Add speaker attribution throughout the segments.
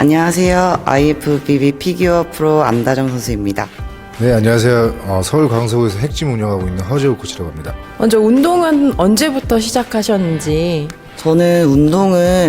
Speaker 1: 안녕하세요. IFBB 피규어 프로 안다정 선수입니다.
Speaker 2: 네, 안녕하세요. 서울 강서구에서 핵짐 운영하고 있는 허재욱 코치라고 합니다.
Speaker 3: 먼저 운동은 언제부터 시작하셨는지.
Speaker 1: 저는 운동은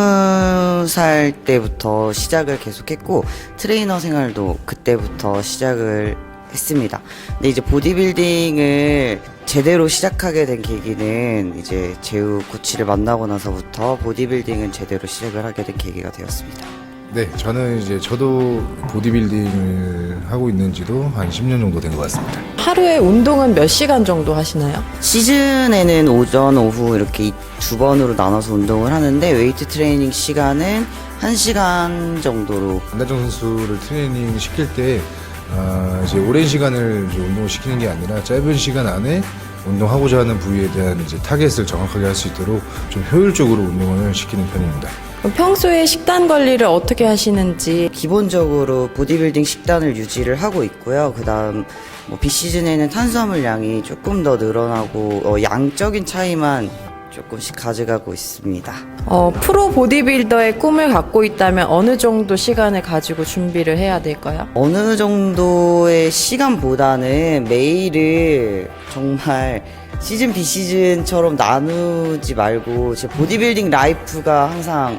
Speaker 1: 20살 때부터 시작을 계속했고 트레이너 생활도 그때부터 시작을 했습니다. 근데 이제 보디빌딩을 제대로 시작하게 된 계기는 이제 재우 코치를 만나고 나서부터 보디빌딩은 제대로 시작을 하게 된 계기가 되었습니다.
Speaker 2: 네, 저도 보디빌딩을 하고 있는지도 한 10년 정도 된 것 같습니다.
Speaker 3: 하루에 운동은 몇 시간 정도 하시나요?
Speaker 1: 시즌에는 오전, 오후 이렇게 두 번으로 나눠서 운동을 하는데 웨이트 트레이닝 시간은 1시간 정도로.
Speaker 2: 안다정 선수를 트레이닝 시킬 때 이제 오랜 시간을 이제 운동을 시키는 게 아니라 짧은 시간 안에 운동하고자 하는 부위에 대한 이제 타겟을 정확하게 할 수 있도록 좀 효율적으로 운동을 시키는 편입니다.
Speaker 3: 그럼 평소에 식단 관리를 어떻게 하시는지.
Speaker 1: 기본적으로 보디빌딩 식단을 유지를 하고 있고요. 그 다음 비시즌에는 탄수화물 양이 조금 더 늘어나고 양적인 차이만 조금씩 가져가고 있습니다.
Speaker 3: 프로 보디빌더의 꿈을 갖고 있다면 어느 정도 시간을 가지고 준비를 해야 될까요?
Speaker 1: 어느 정도의 시간보다는 매일을 정말 시즌 비시즌처럼 나누지 말고 제 보디빌딩 라이프가 항상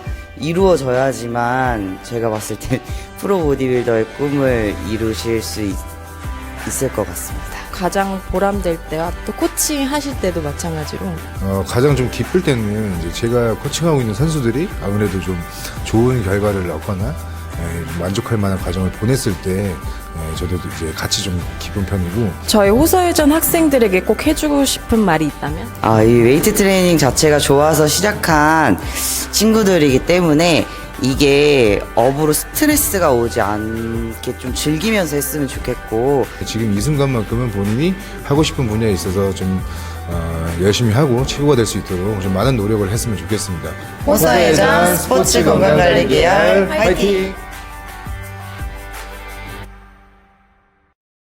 Speaker 1: 이루어져야지만 제가 봤을 때 프로 보디빌더의 꿈을 이루실 수 있을 것 같습니다.
Speaker 3: 가장 보람될 때와 또 코칭 하실 때도 마찬가지로.
Speaker 2: 가장 좀 기쁠 때는 이제 제가 코칭하고 있는 선수들이 아무래도 좀 좋은 결과를 얻거나 만족할 만한 과정을 보냈을 때 저도 이제 같이 좀 기쁜 편이고.
Speaker 3: 저희 호서예전 학생들에게 꼭 해주고 싶은 말이 있다면?
Speaker 1: 이 웨이트 트레이닝 자체가 좋아서 시작한 친구들이기 때문에 이게 업으로 스트레스가 오지 않게 좀 즐기면서 했으면 좋겠고,
Speaker 2: 지금 이 순간만큼은 본인이 하고 싶은 분야에 있어서 좀 열심히 하고 최고가 될 수 있도록 좀 많은 노력을 했으면 좋겠습니다.
Speaker 1: 호서예전 스포츠 건강관리 계열 화이팅!